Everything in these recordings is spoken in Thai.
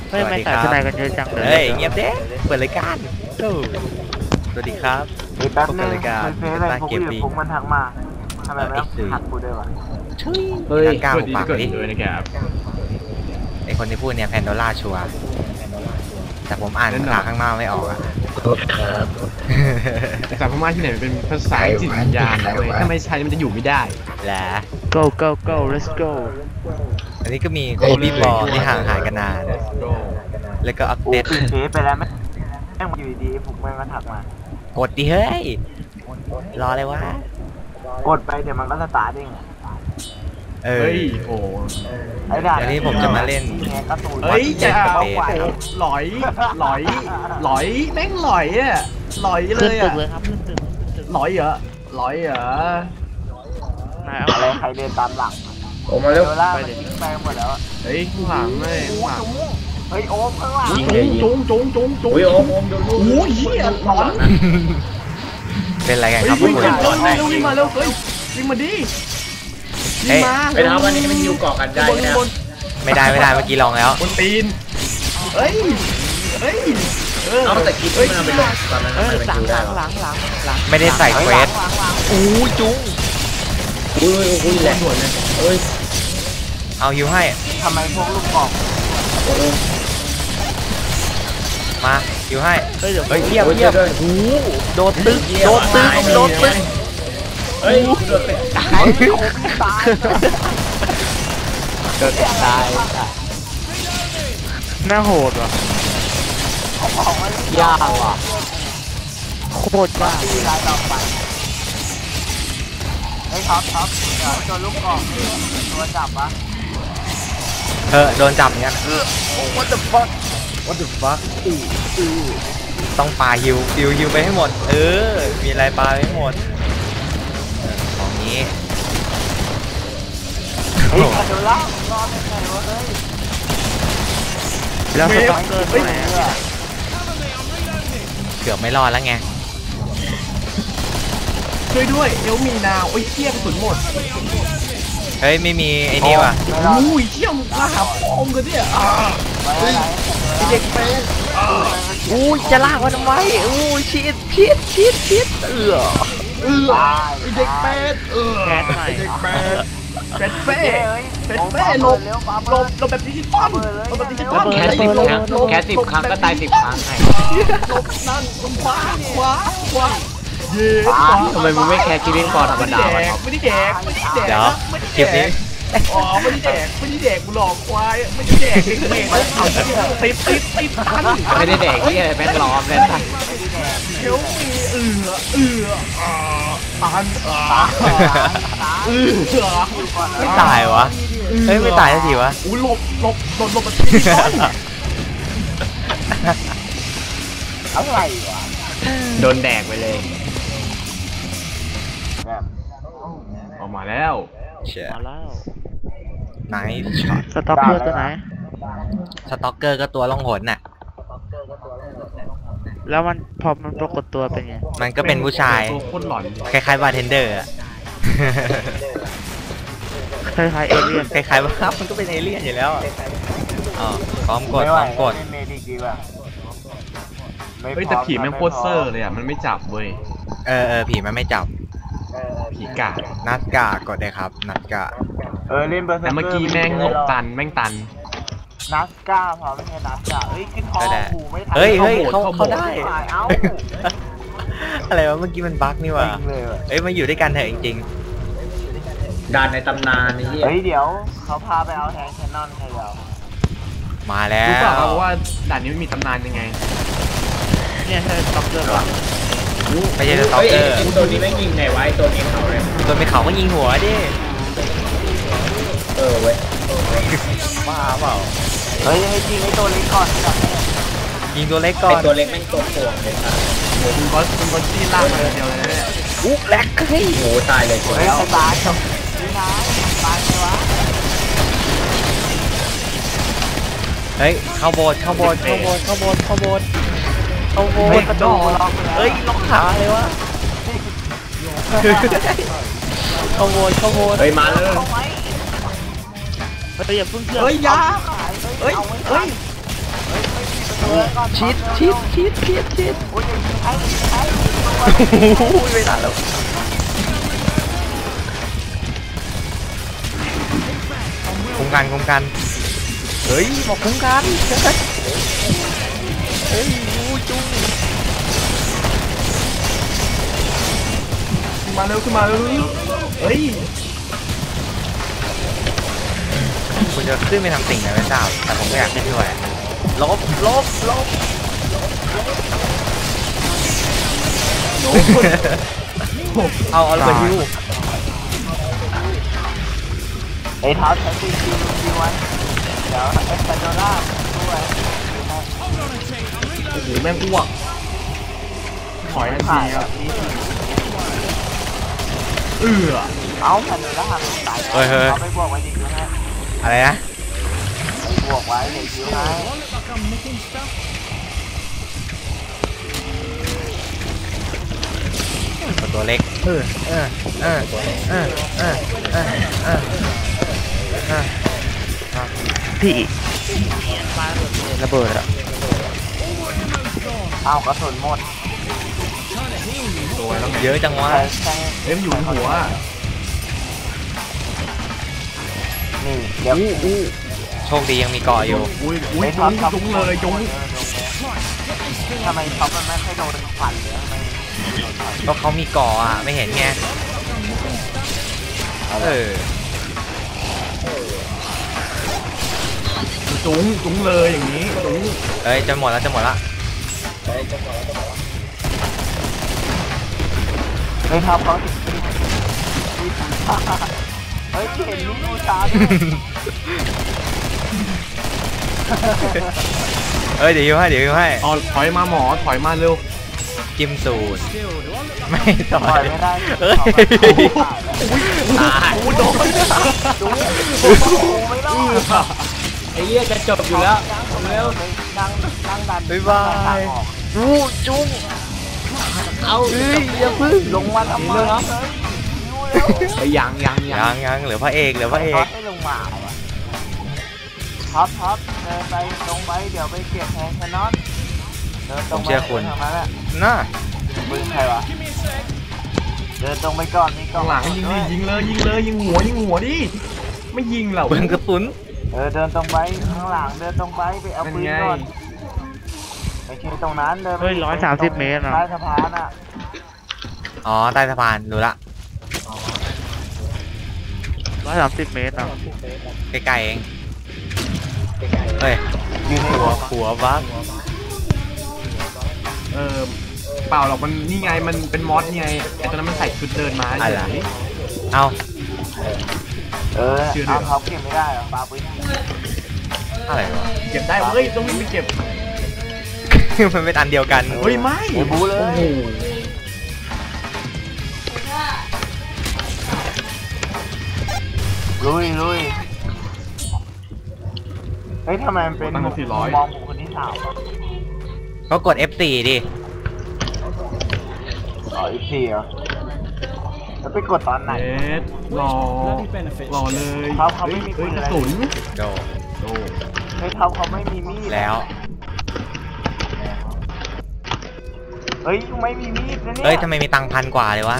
เฮ้ยไม่ใส่ทนายกันเยอะจังเลยเฮ้ยเงียบเด้เปิดรายการสวัสดีครับแป๊บนึงรายการเฟซอะไรพวกอยู่พวกมันทักมาทำไมไม่หักกูด้วยวะเฮ้ยกล้าปากดิด้วยนะครับไอคนที่พูดเนี่ยแพนโดล่าชัวร์แต่ผมอ่านภาษาข้างนอกไม่ออกอะภาษาพม่าที่ไหนเป็นภาษาจิตวิญญาณนะเว้ยถ้าไม่ใช้มันจะอยู่ไม่ได้แหละ go go go let's go อันนี้ก็มีโคบี้บอลที่ห่างหายกันนาน แล้วก็อัปกูเดตปิดเฟซไปแล้วแม่งอยู่ดีๆผมแม่งก็ทักมากดดิเฮ้ย รอเลยวะกดไปเดี๋ยวมันก็สตาร์ทเองเออเฮ้ยโอ้ไอ้ด่าเดี๋ยวนี้ผมจะมาเล่นการ์ตูนเฮ้ยจะเอาเอาไปหลอยหลอยหลอยแม่งหลอยอ่ะหลอยเลขึ้นยตึอ่ะกเลยครับขึ้นตึกขึ้นตึกหลอยเหรอหลอยเหรอนายเอาอะไรใครเดินตามหลังโอ้มาเร็วโดล่ามันทิ้งไปหมดแล้วเฮ้ยข้างหลังเลยข้างหลังเฮ้ยโอมข้างหลังยิงเลยยิงจุงจุงจุงจุงอุ้ยโอมโดนลูกโอ้ยเหี้ยหลอนเป็นอะไรกันเฮ้ครับพวยวิ่กงคุณเร็ววิ่งมาเร็วเฮ้ยวิ่งมาดิวิ่งมาไปทำวันนี้มันยิวเกาะกันได้นะไม่ได้เมื่อกี้ลองแล้วบนตีนเฮ้ยเฮ้ยเอาแต่คิดว่ามันเป็นลมตอนนั้นเฮ้ยมันหลังยิวหได้ลังหรอหลังหลังไม่ได้ใส่เควสอู้จุ้งอุ้ยแหละเฮ้ยเอาฮิวให้ทำไมพวกลูกกอกมาฮิวให้เฮ้ยเดี๋ยวเฮ้ยเยี่ยมเยี่ยมโอ้โดนตึ๊กโดนตึ๊กโดนตึ๊กเฮ้ยโดนเป็นตายโอมตายเกิดตายน่าโหดว่ะเขาบอกว่ายากว่ะโคตรยากตีรายต่อไปเฮ้ยท็อปตัวลูกกอกตัวจับปะโดนจับอย่างเงี้ยwhat the fuck what the fuck ต้องปาฮิวไปให้หมด มีอะไรปาไปให้หมดของนี้เฮ้ยเดี๋ยวล่ารอดได้ไงวะเฮ้ยแล้วสต็อกเกอร์ตัวไหนเกือบไม่รอดแล้วไงช่วยด้วยเอลมีนาวโอ้ยเที่ยกระสุนหมดเฮ้ยไม่มีไอ้นี่ว่ะอุ้ยเที่ยมมาหาพ่อมกันเนี่ยไปไหนเด็กเป็นอู้จะลากมันทำไมอู้ชิดไอเด็กเป็ดแก๊สใหม่เด็กเป็ดเป็ดเฟ่เป็ดเฟ่หลบแบบดิจิตอลหลบแบบดิจิตอลแค่10 ครั้งแค่10 ครั้งก็ตาย10 ครั้งไงหลบนั่นขวาเย้ขวาทำไมมึงไม่แค่ชีวิตก่อนธรรมดาวะไม่ได้แดกเดี๋ยวคลิปนี้อ๋อไม่ได้แดกกูหลอกควายไม่ได้แดกเมฆเอาติดทันไม่ได้แดกที่อะไรแม่งล้อมเลยเดี๋ยวมีอันไม่ตายวะเฮ้ยไม่ตายสักทีวะอู้หลบแบบดิจิตอลอะไรวะโดนแดกไปเลยแบบออกมาแล้วเชี่ยมาแล้วไนท์ช็อตสต็อกเกอร์ตัวไหนสต็อกเกอร์ก็ตัวล่องหนน่ะแล้วมันพอมันปรากฏตัวเป็นไงมันก็เป็นผู้ชายตัวโคตรหลอนคล้ายๆบาร์เทนเดอร์อะคล้ายๆเอเลี่ยนคล้ายๆว่ามันก็เป็นเอเลี่ยนอยู่แล้วอะอ๋อพร้อมกดพร้อมกดเมดิกดีกว่าเฮ้ยแต่ผีแม่งโคตรเซอร์เลยอ่ะมันไม่จับเว้ยผีมันไม่จับผีกาดนัดกากดเลยครับ นัดกาเล่นเบอร์แต่เมื่อกี้แม่งหลบตันแม่งตันนัสก้าพอไม่ใช่นัสก้าเฮ้ยขึ้นคอหูไม่ทันเฮ้ยเข้าเขาได้เอ้าอะไรวะเมื่อกี้มันบั๊กนี่หว่าจริงเลยว่ะเอ้ยมาอยู่ด้วยกันเถอะจริงด่านในตำนานนี่เหี้ยเฮ้ยเดี๋ยวเขาพาไปเอาแทงแคนนอนใครเราๆมาแล้วรู้เปล่าว่าด่านนี้มันมีตำนานยังไงเนี่ยใช่สต็อกเกอร์ป่ะไม่ใช่สต็อกเฮ้ยเกอร์ไอ้ตัวนี้แม่งยิงไงวะไอ้ตัวนี้เขาเลยตัวไม่เขาก็ยิงหัวดิเว้ยบ้าเปล่าเฮ้ยให้จริงไอ้ตัวเล็กก่อนจับยิงตัวเล็กก่อไอ้นตัวเล็กแม่งตัวโป่งเลยครับคุณก็ที่ล่างมาเดียวเลยเนี่ยอุ๊แลกเฮ้ยโอ้ตายเลยตัวเฮ้ยแล้วตายนี่นะตายไหมวะเฮ้ยเข้าโบสถ์เข้าโบสถ์เข้าโบสถ์เข้าโบสถ์เข้าโบสถ์เข้าโบสถ์กระโดดเฮ้ยล็อกขาเลยวะเข้าโบสถ์เข้าโบสถ์เฮ้ยมาเลยเอาไว้เฮ้ยอย่าเพิ่งเชื่อเฮ้ยยาเฮ้ยก่อนชิดท็อปเร็วชิดโอ้ยอย่ายิงไอ้ไอ้โอ้ยไม่ทันแล้วคุ้มกันเฮ้ยบอกคุ้มกันเฮ้ยยูจุ้งขึ้นมาเร็วเฮ้ยคุณจะขึ้นไปทำสิ่งไหนไม่ทราบแต่ผมก็อยากขึ้นด้วยลบ เอาระเบิดฮิวไอ้ท็อปใช้คิวไว้เดี๋ยวเอ็กซ์โดล่าด้วยโอ้โหแม่งอ้วกถอยทันทีครับเอาแผ่นโดล่ามันตายเอาไปบวกไว้ดิคิวให้อะไรนะไปบวกไว้เดี๋ยวคิวให้ตัวเล็กพี่ระเบิดอะเอากระสุนหมดตัวแล้วไงเยอะจังวะเอ็มอยู่หัวนี่เดี๋ยวโชคดียังมีเกาะอยู่อุ้ยจุ้งเลยจุ้งทำไมท็อปมันไม่ค่อยโดนฟันเลยทำไมก็เขามีเกาะอ่ะไม่เห็นไงจุ้งเลยอย่างนี้จุ้งเอ้ยจะหมดละเฮ้ยท็อปเขาถึงเฮ้ยเห็นลูกบูชาด้วยเอ้ยเดี๋ยวฮิวให้เอาถอยมาหมอถอยมาเร็วจิ้มสูตรไม่ต่ปล่ออยยไม่ได้เอ้ยตายโดนดูไม่รอดไอ้เหี้ยจะจบอยู่แล้วเร็วดังดันบ๊ายบายจุ้งเอาอย่าพึ่งลงมาทำไมไอ้ยังยังเหลือพระเอกท็อปให้ลงมาท็อปเดินไปลงไปเดี๋ยวไปเก็บแทนแคนนอนเดินตรงไปทางนั้นแหละน่าปืนใครวะเดินตรงไปก่อนนี่ก่อข้าน งหลังยิงเลยยิงหัวดิไม่ยิงเหรอเบิ้งกระสุนเดินตรงไปข้างหลังเดินตรงไปเอาปืนก่อนไปเช็คตรงนั้นเดินเฮ้ย130 เมตรนะใต้สะพานอ่ะอ๋อใต้สะพานรู้ละ 130 เมตรนะใกล้ๆเองเฮ้ยอยู่ในหัวบักเปล่าหรอกมันนี่ไงมันเป็นมอสไงไอ้ตอนนั้นมันใส่ชุดเดินมาเฉยเอาเอาเขาเก็บไม่ได้หรอปาปืนอะไรวะเก็บได้เฮ้ยต้องวิ่งไปเก็บมันเป็นอันเดียวกันเฮ้ยไม่บูเลยโอ้โหลุยเฮ้ยทำไมมันเป็นมองบุคคลที่สามก็กด F4 ดิอีกทีเหรอแล้วไปกดตอนไหนเอ็ดรอเลยเขาไม่มีเฮ้ยปืนกอะไรระสุนโดโอ้เฮ้ยเขาไม่มีมีดแล้วเฮ้ยไม่มีมีดนะเนี่ยเฮ้ยทำไมมีตังค์1,000 กว่าเลยวะ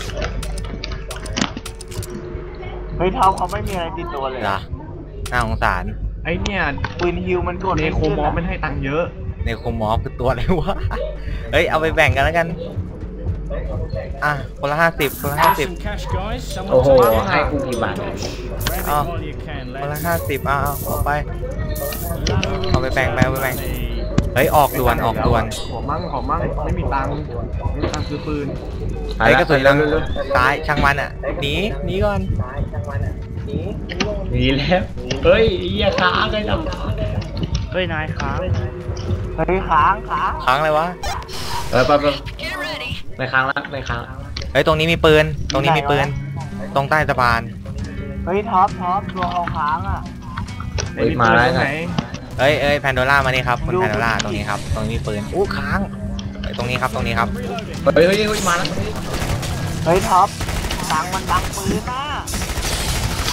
เฮ้ยเขาไม่มีอะไรติดตัวเลยเหรอน่าสงสารไอเนี่ยปืนฮิวมันกดเนโคมอฟมันให้ตังค์เยอะในโคมอฟคือตัวอะไรวะ เฮ้ยเอาไปแบ่งกันแล้วกันอ่ะคนละ50 โอ้โหให้กูกี่บาทเอาคนละ50เอาไปเอาไปแบ่งเฮ้ยออกด่วนขอมั่งไม่มีตังค์ซื้อปืนเฮ้ยกระสุนลังตายช่างมันอ่ะหนีก่อนหนีแล้วเฮ้ยไอ้เหี้ยค้างเลยนะเฮ้ยนายค้างเฮ้ยค้างค้างเลยวะไปไม่ค้างละเฮ้ยตรงนี้มีปืนตรงใต้สะพานเฮ้ยท็อปตัวเขาค้างอ่ะเฮ้ยมาแล้วไงเอ้ยแพนโดล่ามานี่ครับคุณแพนโดล่าตรงนี้ครับตรงนี้มีปืนอู้ค้างตรงนี้ครับเฮ้ยมาแล้วเฮ้ยท็อปตังมันดังปืนนะ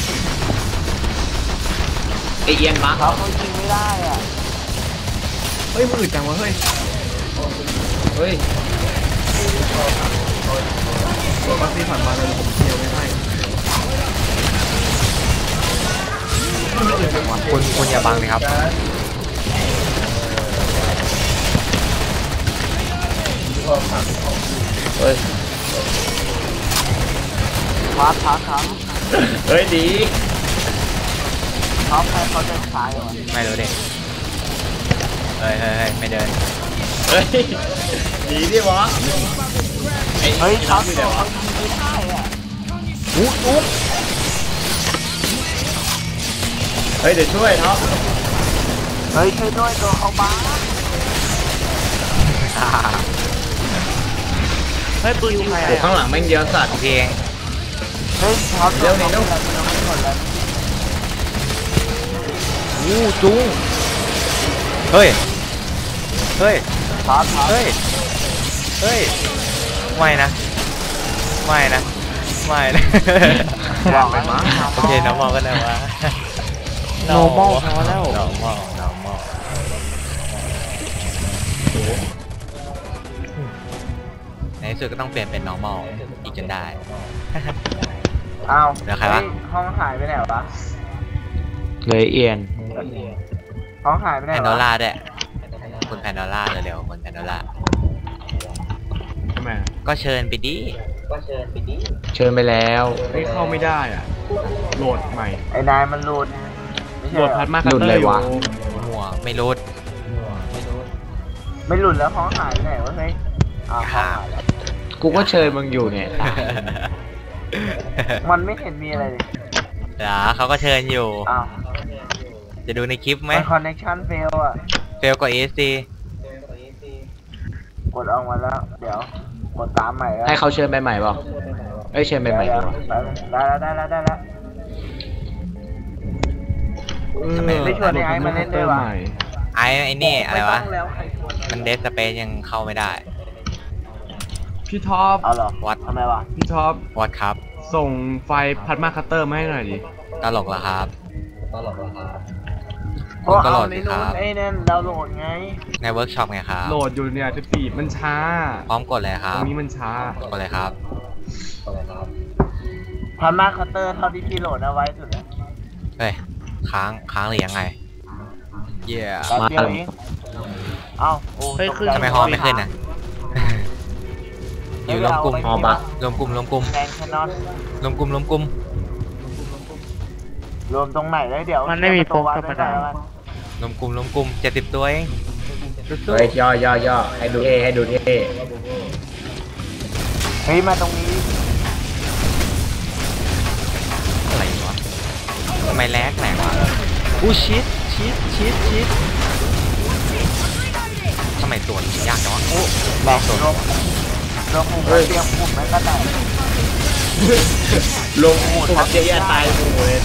ไอเอียนบักเขายิงไม่ได้อ่ะฮ้ยมืดจังวะเฮ้ยเฮ้ยบัสซี่ผ่านมาเลยผมเที่ยวไม่ให้ไม่อื่นจังวะคุณอย่าบังเลยครับเฮ้ยพับเฮ้ยดีเขาให้เขาเดินซ้ายเหรอไม่รู้เด็กเฮ้ยไม่เดินเฮ้ยดีดิวะเฮ้ยเขาอยู่เดิไหนนวะไม่ได้อ่ะเฮ้ยเดี๋ยวช่วยท็อปเฮ้ยช่วยด้วยตัวเขาบ้าเฮ้ยปืนยิงใครโอ้ข้างหลังแม่งเยอะสัตว์โอเคเองเฮ้ยเขาเร็วนี่เร็วไม่หมดแล้วอู้จุ้งเฮ้ยพับเฮ้ยไม่นะไม่นะบอกไปมั้งโอเคน้องมองก็ได้วะ normal พอแล้วน้องมองในที่สุดก็ต้องเปลี่ยนเป็น normal อีกจนได้อ้าวเดี๋ยวใครวะห้องหายไปไหนวะเลยเอียนห้องหายไปไหนแพนโดวะล่าด้วยคุณแพนโดล่าเร็วๆคุณแพนโดล่าทำไมก็เชิญไปดิเชิญไปแล้วเฮ้ยเข้าไม่ได้อ่ะโหลดใหม่ไอ้นายมันหลุดไม่ใช่โหลดเหรพัอดมาคัตเตอร์อยู่หัวไม่รู้ไม่หลุดแล้วห้องหายไปไหนวะเฮ้ยอ้าวห้องหายแล้วกูก็เชิญมึงอยู่เนี่ยมันไม่เห็นมีอะไรเลยเดี๋ยวเขาก็เชิญอยู่อ้าวจะดูในคลิปไหมมันคอนเนคชั่นเฟลอ่ะเฟลกว่า ESC กดออกมาแล้ว เดี๋ยว กดตามใหม่แล้วให้เขาเชิญไปใหม่เปล่าเอ้ยเชิญไปใหม่ดีกว่าได้แล้ว ไม่ชวนไอ้มาเล่นด้วยวะไอ้นี่อะไรวะม่ต้งแล้วใครชวนมันเดสสเปซยังเข้าไม่ได้พี่ท็อปเอาเหรอวัดทำไมวะพี่ท็อปวัดครับส่งไฟล์พัดมาคัตเตอร์มาให้หน่อยดิตลกเหรอครับเพราะก็โหลเอาดในสิคนู้รันบไอ้นั่นดาวน์โหลดไงในเวิร์กช็อปไงครับโหลดอยู่เนี่ยจะปีดมันช้าพร้อมกดเลยคตรัรบงนี้มันช้ากดเลยครับพามาคัตเตอร์เท่าที่พี่โหลดเอาไว้สุดแล้วเฮ้ย ค้างหรือยังไง เย้แป๊บเดียวเองเอ้าโอ้เฮ้ยตกขึ้นใจทำไมฮอไม่ขึ้นอ่ะ อยู่รวมกลุ่มฮอบักรวมกลุ่มแดงแคนนอนรวมกลุ่มรวมตรงไหนแล้วเดี๋ยวมันไม่มีโปรวัดธรรมไว้ดาก่อนรวมกลุ่ม70 ตัวเองสู้เฮ้ยย่อให้ดูเท่ให้ดูเท่เฮ้ยมาตรงนี้ๆอะไรวะทำไมแลกแหลกวะอู้ชิดทำไมตัวนี้ยากจังวะโอ้บอกตัวรวมปุ่มเตรียมปุ่มไว้ก็ได้ลงปุ๊บเจ๊ตายหมู่เลย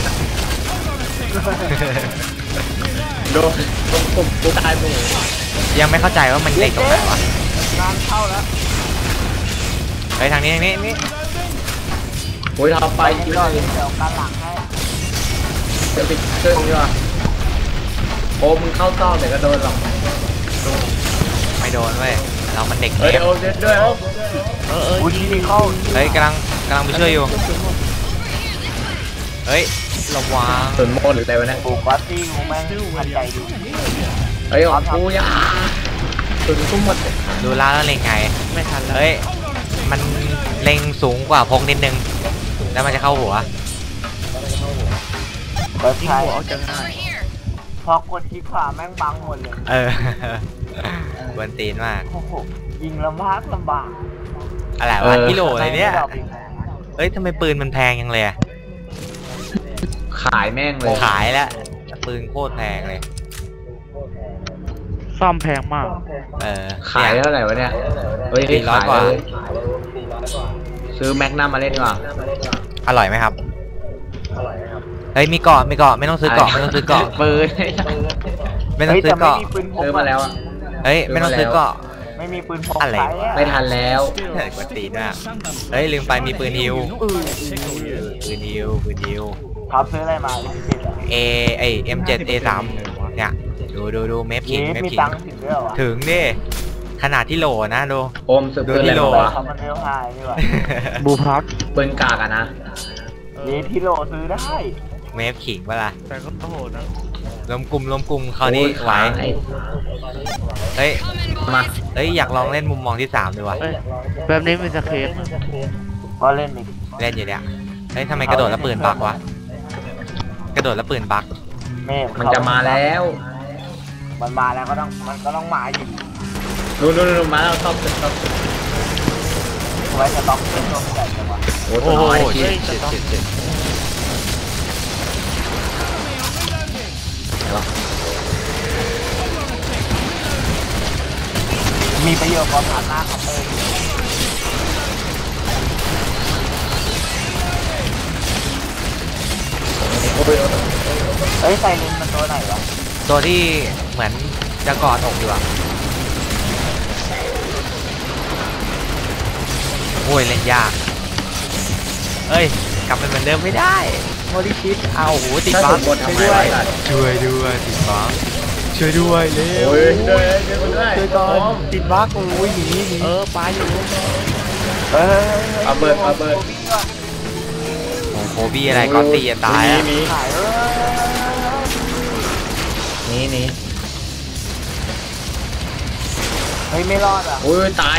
โดนลงปุ๊บกูตายหมู่ยังไม่เข้าใจว่ามันเด็กตรงไหนวะงานเข้าแล้วเฮ้ยทางนี้โอ้ยท็อปไปไปอีกก่อนเลยเดี๋ยวการหลังให้จะไปช่วยมึงดีกว่าโอ้มึงเข้าซ่อมเดี๋ยวก็โดนหรอกไม่โดนเว้ยเรามันเด็กเฮ้ยเล็กโอ้เด็ดด้วยโอ้อุ้ยนี่เข้าเฮ้ยกำลังไปช่วยอยู่เฮ้ยระวังส่วนโมหรืออะไรวะเนี่ยปลูกวัตตี้กูแม่งทันใจดีเฮ้ยของกูย่าส่วนกูหมดเลยดูล่าแล้วเล็งไงไม่ทันแล้วเฮ้ยมันเล็งสูงกว่าพกนิดนึงแล้วมันจะเข้าหัวเปิดยิงใช้หัวออกจากง่ายพอกดคลิกขวาแม่งบังหมดเลยเออ บนตีนมากโอ้โหยิงลำบากอะไรวะกิโลอะไรเนี่ยเฮ้ยทำไมปืนมันแพงยังเลยอะขายแม่งเลยขายแล้วปืนโคตรแพงเลยซ่อมแพงมากเออขายเท่าไหร่วะเนี่ยเฮ้ย 400 ขายกว่าเลยซื้อแม็กนัมมาเล่นดีกว่าอร่อยไหมครับเฮ้ยมีเกาะไม่ต้องซื้อเกาะปืนไม่ต้องเฮ้ยซื้แต่อเกาะไม่มีปืนพกซื้อมาแล้วอะเฮ้ยไม่ต้องซื้อเกาะไม่มีปืนพกอะไรใช้วะไม่ทันแล้วกดตีนมากเฮ้ยลืมไปมีปืนฮิวปืนฮิวครับซื้ออะไรมาลิมิตอะ M7 A3 เนี่ยดูเมฟขิงเมฟมีขิงตังค์ถึงด้วยวะถึงดิขนาดที่โหลนะดูโอมสุดดูปืนที่อะไรโลวะเขามันเร็วไฮนี่วะบูพัทปืนกากอะนะนี่ที่โลซื้อได้เมฟขิงเปะล่าแต่ก็โหดนะรวมกลุ่มคราวนี้ไหวโอ้ยเฮ้ยมาเฮ้ยอยากลองเล่นมุมมองที่3ดูวะเอ้ยแบบนี้มีสเคปก็เล่นอีกเล่นอยู่เนี่ยเฮ้ยทำไมกระโดดแล้วปืนบักวะกระโดดแล้วปืนบักเมฆมันจะมาแล้วมันมาแล้วก็ต้องมาอยู่นู่นมาแล้วชอบชอบไว้จะต้องเล่นตัวใหญ่จังวะโอ้ตัวน้อยเจ็ดเจ็ดมีประโยชน์กว่าผ่านหน้าของเองเฮ้ยไซเลนมันตัวไหนวะตัวที่เหมือนจะกอดอกอยู่อะโอ้ยเล่นยากเอ้ยกลับไปเหมือนเดิมไม่ได้โมดิชิตเอาโหติดถ้าบัสฟมบูรณ์ทำไมวะล่ะช่วยด้วยติดบัฟช่วยด้วยเร็วโอ้ยช่วยด้วยช่วยก่อนติดบัฟโอ้ยหนีปลาอยู่เฮ้ยเอาเบิร์ดโโอ้อ้โหบี้อะไรก็ตีจะตายอะมีขายนี่เฮ้ยไม่รอดอ่ะโอ้ยตาย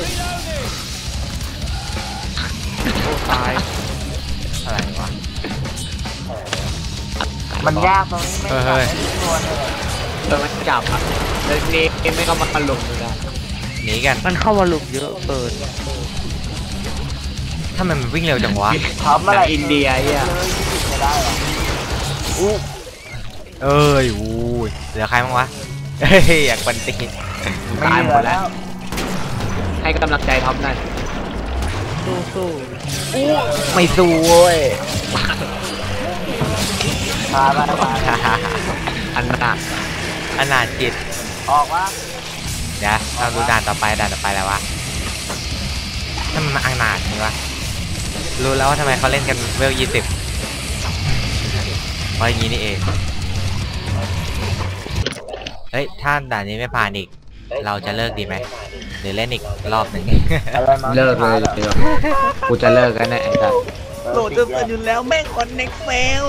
โอ้ตายอะไรวะมันยากตรงนี้ไม่เฮ้ยตัวเลยตัวมันจับอ่ะเรื่องนี้ไม่ก็มาถล่มเลยนะหนีกันมันเข้ามาหลุมเยอะเกินถ้ามันวิ่งเร็วจังวะทำอะไรอินเดียอ่ะเลยที่จะได้หรออู้เอ้ยอู้ยเหลือใครบ้างวะเฮ้ยอยากปันตีไม่เหลือแล้วให้กำลังใจท็อปนั่นสู้ไม่สู้เว้ยมาไปอันหนักอนาถจิตออกว่าเดี๋ยวเราดูด่านต่อไปแล้ววะถ้ามันมาอนาถจริงวะรู้แล้วว่าทำไมเขาเล่นกันเวล20เพราะอย่างนี้นี่เองเฮ้ยถ้าด่านนี้ไม่ผ่านอีกเราจะเลิกดีไหมหรือเล่นอีกรอบหนึ่งอะไรมาเลิกเลยเดี๋ยวกูจะเลิกกันแน่ไอ้สัสโหลดจะเสร็จอยู่แล้วแม่งคอนเน็กเฟล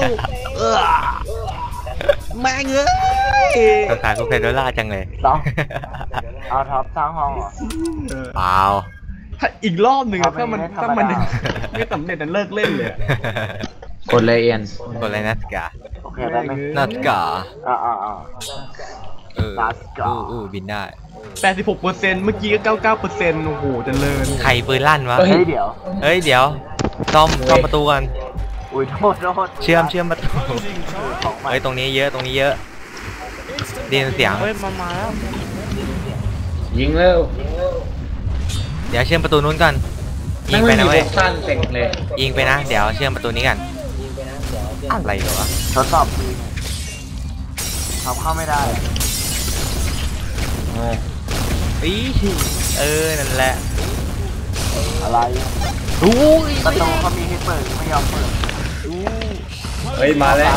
แม่งเอ้ยสงสารคุณเพโดล่าจังเลยต้องเอาท็อปสร้างห้องเหรอเปล่าถ้าอีกรอบหนึ่งอะถ้ามันธรรมดาไม่สำเร็จนั้นเลิกเล่นเลยอะกดเลยเอียนกดเลยนัสกาโอเคได้ไหมนัสกา เออนัสกาบินได้ 86%เมื่อกี้ก็ 99%โอ้โหเจริญใครปืนลั่นวะเฮ้ยเดี๋ยวเฮ้ยเดี๋ยวซ่อมประตูกันอุ้ยโทษเชื่อมประตูของใหม่เฮ้ยตรงนี้เยอะได้ยินเสียงเฮ้ยมาแล้วยิงเร็วเดี๋ยวเชื่อมประตูนู้นก่อนยิงไปไม่นะมีเว้ยพวกสั้นเต็งเลยยิงไปนะเดี๋ยวเชื่อมประตูนี้กันอะไรวะทดสอบปืนทำเข้าไม่ได้อีนั่นแหละอะไรอู้ยประตูเขามีให้เปิดไม่ยอมเปิดเฮ้ยมาแล้ว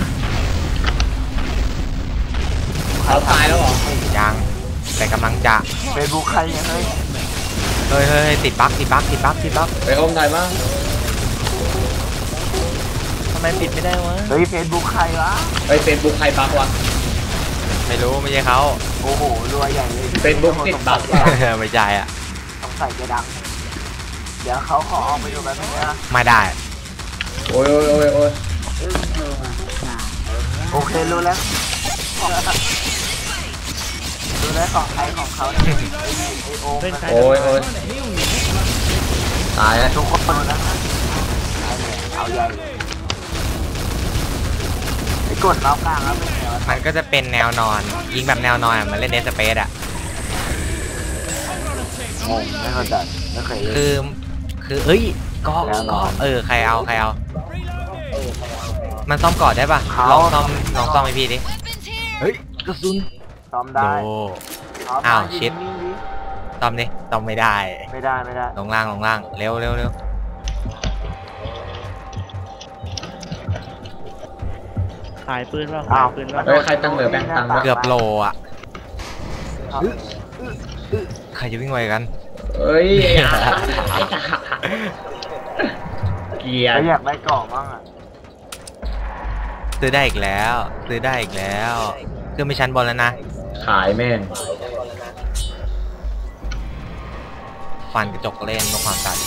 เขาตายแล้วเหรอยังแต่กำลังจะเฟซบุ๊กใครเนี่ยเฮ้ยเฮ้ยติดบั๊กไปโอมถ่ายมาทำไมปิดไม่ได้วะเฮ้ยเฟซบุ๊กใครวะไปเฟซบุ๊กใครบักวะไม่รู้ไม่ใช่เขาโอ้โหรวยใหญ่เลยเฟซบุ๊กติดบักว่ะไม่ใช่อ่ะสงสัยจะดัง เดี๋ยวเขาขอออกไปดูแบบนี้นะไม่ได้โอ้ยโอเครู้แล้วรู้แล้วของใครของเขาเนี่ยไอโอมเป็นใครโอ้ยตายแล้วทุกคนนะเอาใหญ่เลยไอ้กดล็อกกลางแล้วเป็นไงวะมันก็จะเป็นแนวนอนยิงแบบแนวนอนอะมันเล่นเดสเปซอ่ะงงไม่เข้าใจไม่เคยเล่นคือเอ้ยก็ใครเอามันซ่อมก่อนได้ปะลองซ่อมให้พี่ดิเฮ้ยกระสุนซ้อมโดได้อ้าวชิด ซ่อมดิซ่อมไม่ได้ไม่ได้ลงล่างเร็วใครายปืนว่าขายปืนว่าเฮ้ยใครตั้งเหลือแบงค์ตังค์ด้วยเกือบโลอ่ะใครจะวิ่งไวกันเฮ้ยเกียแล้วร์อยากได้กล่องบ้างอ่ะซื้อได้อีกแล้วซื้อได้อีกแล้วเครื่องมีชั้นบนแล้วนะขายแม่งฟันกระจกเล่นด้วยความสะใจ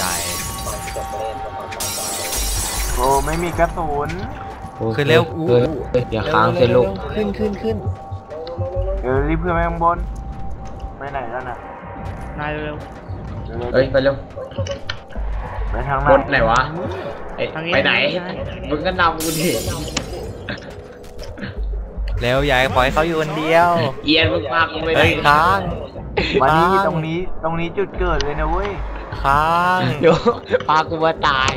โอ้ไม่มีกระสุนคือเร็วอย่าค้างสิลูกขึ้นเดี๋ยวรีบเพื่อนไปข้างบนไปไหนแล้วน่ะนายเร็วเฮ้ยไปเร็วไปทางไหนบนไหนวะไปไหนมึงก็นำกูดิเร็วใหญ่ปล่อยเขาอยู่คนเดียวเอียนมึงพากูไปไหนเฮ้ยค้างมานี่บ้าตรงนี้จุดเกิดเลยนะเว้ยค้างเดี๋ยวพากูมาตาย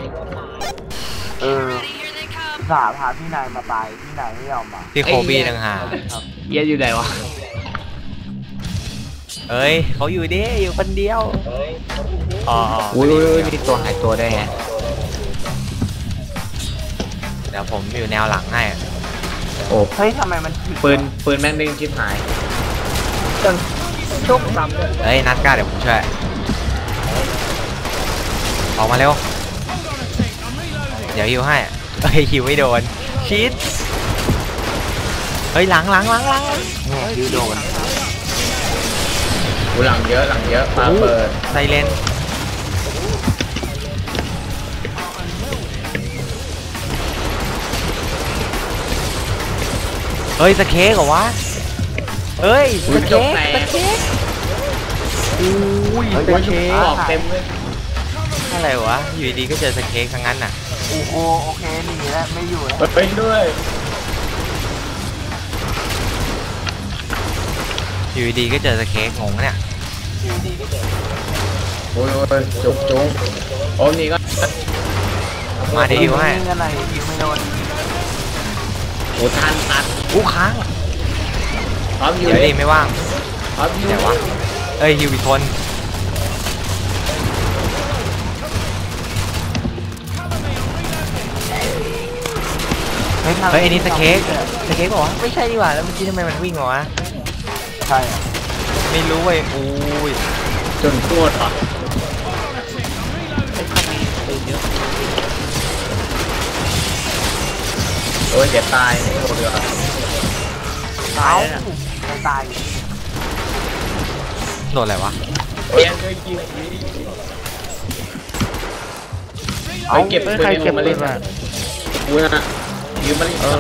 สาพาพี่นายมาตายพี่นายไม่ยอมมาที่โคบี้ต่างหากเอียนอยู่ไหนวะเอ้ยเขาอยู่ดิอยู่คนเดียวอ๋ออุ้ยมีตัวหายตัวได้ไงเดี๋ยวผมอยู่แนวหลังให้โอ้เฮ้ยทำไมมันถึงปืนแม่งดึงชิบหายโชคซ้ำเลยเอ้ยนัดกล้าเดี๋ยวผมช่วยออกมาเร็วเดี๋ยวฮิวให้เอ้ยฮิวไม่โดนชิดเฮ้ยหลังเนี่ยดิวโดนกูหลังเยอะมาเปิดไซเลนเฮ้ยสเค้กเหรอวะเฮ้ยอุ้สยจเค้กกแตกอุ้ยโอ้สยเค้กออกเต็มเลยอะไรวะอยู่ดีๆก็เจอสเค้กทั้งนั้นน่ะโอ้โหโอเคหนีแล้วไม่อยู่แล้วเป็นด้วยอยู่ดีๆก็เจอสเค้กงงเนี่ยโอ้ยจุกโอ้นี่ก็มาเดี๋ยวฮิวให้ยิงกันไหนยิงไม่โดนโอ้ทันอู้ค้างพร้อมอยู่เดี๋ยวดีไม่ว่างพร้อมอยู่ไหนวะเอ้ยฮิวอีกคน เฮ้ยไอ้นี่สเค้กบอกว่าไม่ใช่ดีกว่าแล้วเมื่อกี้ทำไมมันวิ่งวะใช่อะไม่รู้เว้ยอุ้ยจนโคตรอ่ะโอ้ยเดี๋ยวตายโอ้เดือดตายไม่ตายโดนอะไรวะโอ้ยเคยกินเฮ้ยเก็บปืเฮ้ยนใครเก็บมาปืเล่นนมากูนะยืมมาเล่น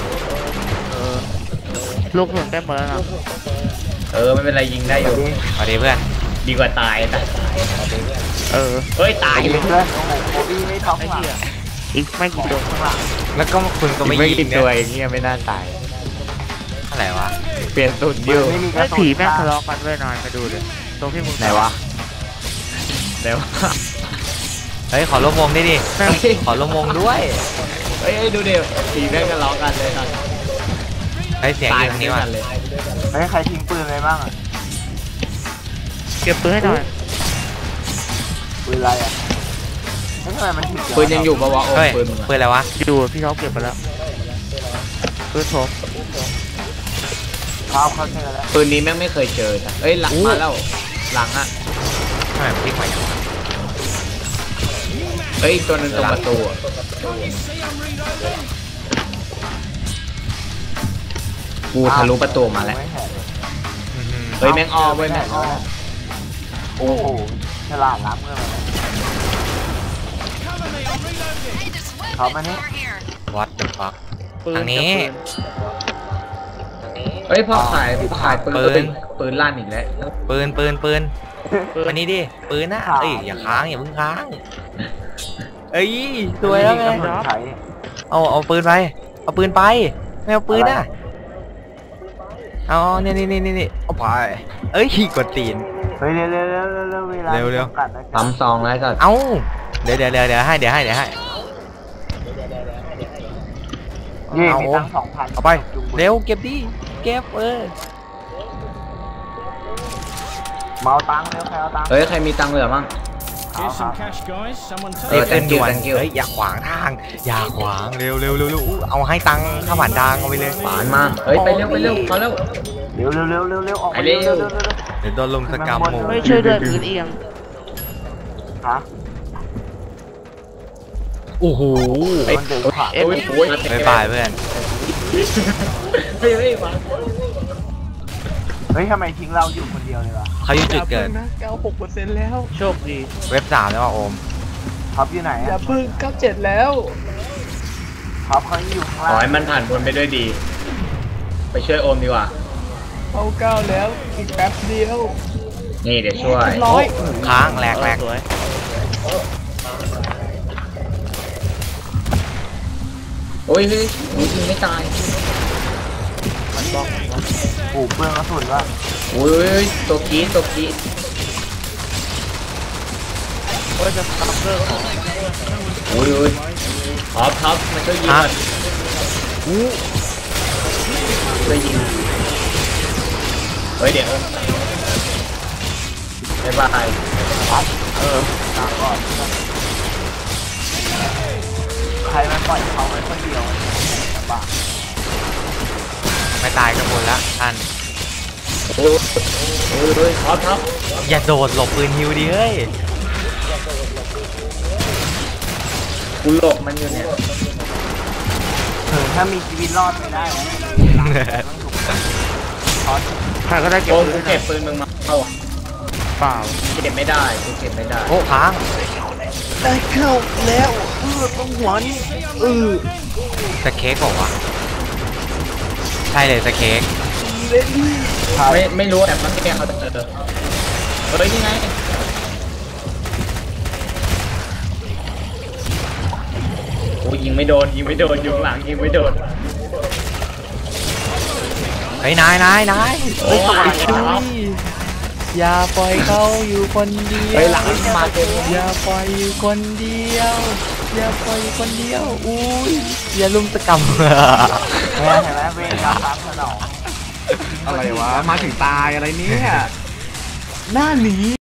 ลูกหนุนได้หมดแล้วนะไม่เป็นไรยิงได้อยู่สวัสดีเพื่อนดีกว่าตายแต่ไปตายยิงเพื่อนโอ้โหโคบี้ไม่ท็อปไอ้หลังเหี้ยอีกไม่กี่ตัวข้างหลังแล้วก็คุณก็ไม่ยิงเนี่ยเงี้ยไม่น่าตายอะไรวะเปลี่ยนสุดดิวไม่มีกไอ้ระสุนผีแม่งทะเลาะกันด้วยนอนมาดูเลยตรงที่มึงไหนวะเฮ้ยขอร่วมวงได้ดิขอร่วมวงด้วยเฮ้ยดูเดี๋ยวตีแม่งกันล้อกันเลยครับเฮ้ยเสียงอยู่ทางนี้ว่ะเลยเฮ้ยใครทิ้งปืนอะไรบ้างอ่ะเก็บปืนให้หน่อยปืนอะไรอ่ะไม่ทำไมมันถึงปืนยังอยู่ปะวะโอ้เฮ้ยปืนมึงปืนอะไรวะอยู่พี่เขาเก็บไปแล้วปืนผมเขาเจอแล้วปืนนี้แม่งไม่เคยเจอนะเอ้ยหลังมาแล้วหลังอ่ะทำไมมันพลิกมาอย่างนั้นเฮ้ยตัวนึงตรงประตูกูทะลุประตูมาแล้ว เฮ้ยแม่งอ้อมเว้ยแม่งอ้อมโอ้โหฉลาดล้ำเงินเลยเขามานี่วัดเดอะฟักปืนทางนี้เฮ้ยพ่อขายปืนลั่นอีกแล้วปืนปืนอันนี้ดิปืนนะเอ้ยอย่าค้างอย่าเพิ่งค้างเอ้ยสวยแล้วไงกระสุนไขเอาปืนไปเอาปืนไปไม่เอาปืนอ่ะเอานี่เอาไปเอ้ยกดตีนเฮ้ยเร็วเวลาเร็วจำกัดนะจ๊ะปั๊มซองแล้วก็เอาเดี๋ยวให้เย่เอามีตังค์2,000 เอาไปเร็วเก็บดิเก็บเมาตังค์เร็วใครเอาตังค์เฮ้ยใครมีตังค์เหลือมั่ง Here's some cash, guys. Someone รีบ take ขึ้นด่วน thank you เฮ้ยอย่าขวางทางอย่าขวางเร็วเร็วเร็วเร็วอู้เอาให้ตังค์ข้าวผ่านทางเอาไปเลยปานมาเฮ้ยไปเร็วไปเร็วเขาเร็วเร็วออกไปเร็วเดี๋ยวโดนลุมสกรรมหมู่ไม่ช่วยด้วยพื้นเอียงฮะโอ้โหมันเดินผ่านโอ้ยโอ้ยบ๊ายบายเพื่อนเฮ้ยเฮ้ยมาเฮ้ยทำไมทิ้งเราอยู่คนเดียวเลยวะเขาอยู่จุดเกิดนะ 96%แล้วโชคดีเว็บ3แล้วว่าโอมท็อปอยู่ไหนอย่าอะพึ่ง97แล้วท็อปเขาอยู่ข้างขล่าอง ให้มันผ่านพ้นไปด้วยดี ไปช่วยโอมดีกว่าเอา9แล้วอีกแป๊บเดียวนี่เดี๋ยวช่วยร้อยค้างแหลกแหลกสวยโอ้ยเฮ้ยยิงไม่ตายปลูกเปลืองกระสุนว่าโอ้ยตัวกรีดตัวกรีดโอ้ยจะตับเลิกของโอ้ยท็อปมันช่วยยิงก่อนช่วยยิงเฮ้ยเดี๋ยวบ๊ายบายตามก่อนใครมันปล่อยเขาไว้คนเดียวลำบากไม่ตายกันหมดละท่านโอ้ยท็อปอย่าโดดหลบปืนฮิวดิเฮ้ยกูหลบมันอยู่เนี่ยถ้ามีชีวิตรอดไม่ได้นะท็อปใครก็ได้เก็บโอ้ปืกูนเก็บปืนมึงมาเอาเปล่าเก็บไม่ได้กูเก็บไม่ได้โอ้ค้างได้เข้าแล้วต้องหัวนี่สเค้กบอกว่าวะใช่เลยสเค้กไม่รู้แต่มันแกเขาจะเจอเฮ้ยนี่ไงโอ้ยิงไม่โดนอยู่ข้างหลังยิงไม่โดนเฮ้ยนายเฮ้ยอย่าปล่อยเขาอยู่คนเดียวเฮ้ยหลังมาเต็มอย่าปล่อยอยู่คนเดียวอย่าปล่อยอยู่คนเดียวอุ้ยอย่าลุมสกรรมเห็นไหมเวรกรรมตามสนองอะไรวะ มาถึงตายอะไรเนี่ยหน้าหนี